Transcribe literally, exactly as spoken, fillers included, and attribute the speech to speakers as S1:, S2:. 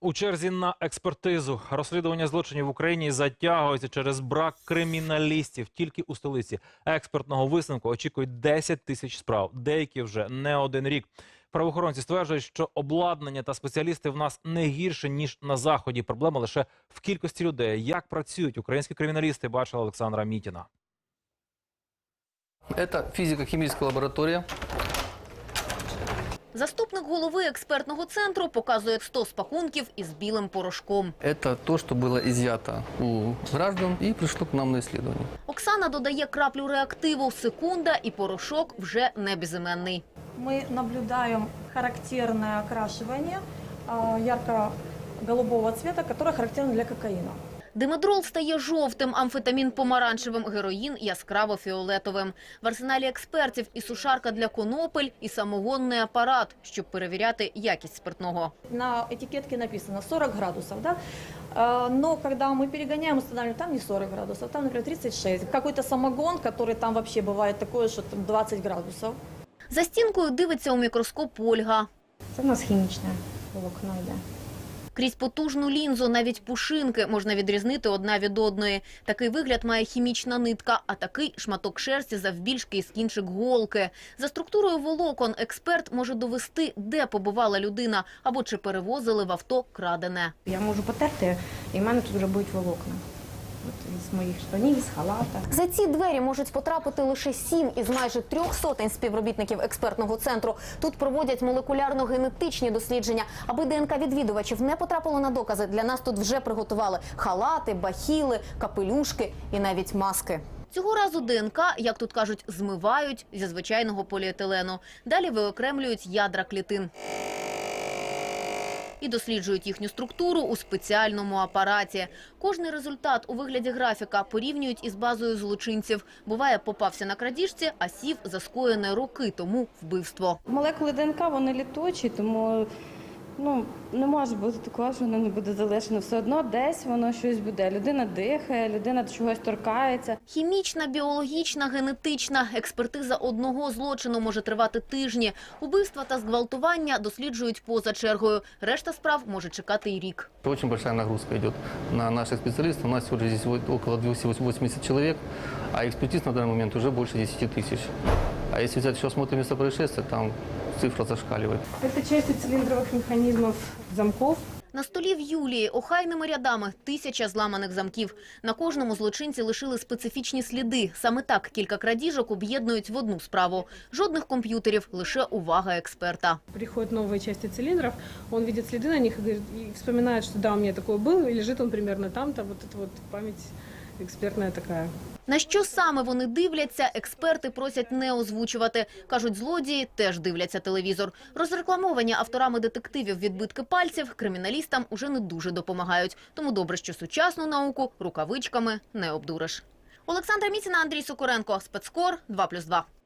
S1: У черзі на експертизу. Розслідування злочинів в Україні затягується через брак криміналістів. Тільки у столиці експертного висновку очікують десять тисяч справ. Деякі вже не один рік. Правоохоронці стверджують, що обладнання та спеціалісти в нас не гірше, ніж на Заході. Проблема лише в кількості людей. Як працюють українські криміналісти, бачила Олександра Мітіна.
S2: Це фізико-хімічна лабораторія.
S3: Заступник голови експертного центру показує сто пакунків із білим порошком.
S2: Це те, що було изъято у граждан і прийшло к нам на дослідження.
S3: Оксана додає краплю реактиву, секунда, і порошок вже не безіменний.
S4: Мы наблюдаем характерное окрашивание ярко-голубого цвета, которое характерно для кокаина.
S3: Димедрол стає жовтим, амфетамін – помаранчевим, героїн – яскраво-фіолетовим. В арсеналі експертів і сушарка для конопель, і самогонний апарат, щоб перевіряти якість спиртного.
S4: На этикетке написано сорок градусов, да? Но когда мы перегоняем, устанавливаем, там не сорок градусов, там, например, тридцать шесть. Какой-то самогон, который там вообще бывает такое, что там двадцать градусов.
S3: За стінкою дивиться у мікроскоп Ольга.
S5: Це в нас хімічне волокно йде.
S3: Крізь потужну лінзу навіть пушинки можна відрізнити одна від одної. Такий вигляд має хімічна нитка, а такий – шматок шерсті завбільшки із кінчик голки. За структурою волокон експерт може довести, де побувала людина або чи перевозили в авто крадене.
S5: Я можу потерти, і в мене тут вже будуть волокна. От із моїх штанів, з халата.
S6: За ці двері можуть потрапити лише сім із майже трьох сотень співробітників експертного центру. Тут проводять молекулярно-генетичні дослідження. Аби ДНК відвідувачів не потрапило на докази, для нас тут вже приготували халати, бахіли, капелюшки і навіть маски.
S3: Цього разу ДНК, як тут кажуть, змивають зі звичайного поліетилену. Далі виокремлюють ядра клітин і досліджують їхню структуру у спеціальному апараті. Кожний результат у вигляді графіка порівнюють із базою злочинців. Буває, попався на крадіжці, а сів за скоєне роки тому вбивство.
S7: Молекули ДНК, вони літучі, тому ну, не може бути такого, що воно не буде залишено. Все одно десь воно щось буде. Людина дихає, людина до чогось торкається.
S3: Хімічна, біологічна, генетична. Експертиза одного злочину може тривати тижні. Убивства та зґвалтування досліджують поза чергою. Решта справ може чекати й рік.
S2: Очень большая нагрузка идет на наших специалистов. У нас сегодня здесь около двухсот восьмидесяти человек, а экспертиз на данный момент уже больше десяти тысяч. А если взять еще осмотр места происшествия, там цифра зашкаливает.
S7: Це части циліндрових механізмів замків.
S3: На столі в Юлії охайними рядами тисяча зламаних замків. На кожному злочинці лишили специфічні сліди. Саме так кілька крадіжок об'єднують в одну справу. Жодних комп'ютерів, лише увага експерта.
S7: Приходять нові частини циліндрів, він бачить сліди на них і вспоминає, що да, у мене таке було, і лежить він примерно там-то, вот эта вот пам'ять експертна така.
S3: На що саме вони дивляться, експерти просять не озвучувати. Кажуть, злодії теж дивляться телевізор. Розрекламовані авторами детективів відбитки пальців криміналістам уже не дуже допомагають. Тому добре, що сучасну науку рукавичками не обдуриш. Олександра Мітіна, Андрій Сокоренко. Спецкор два плюс два.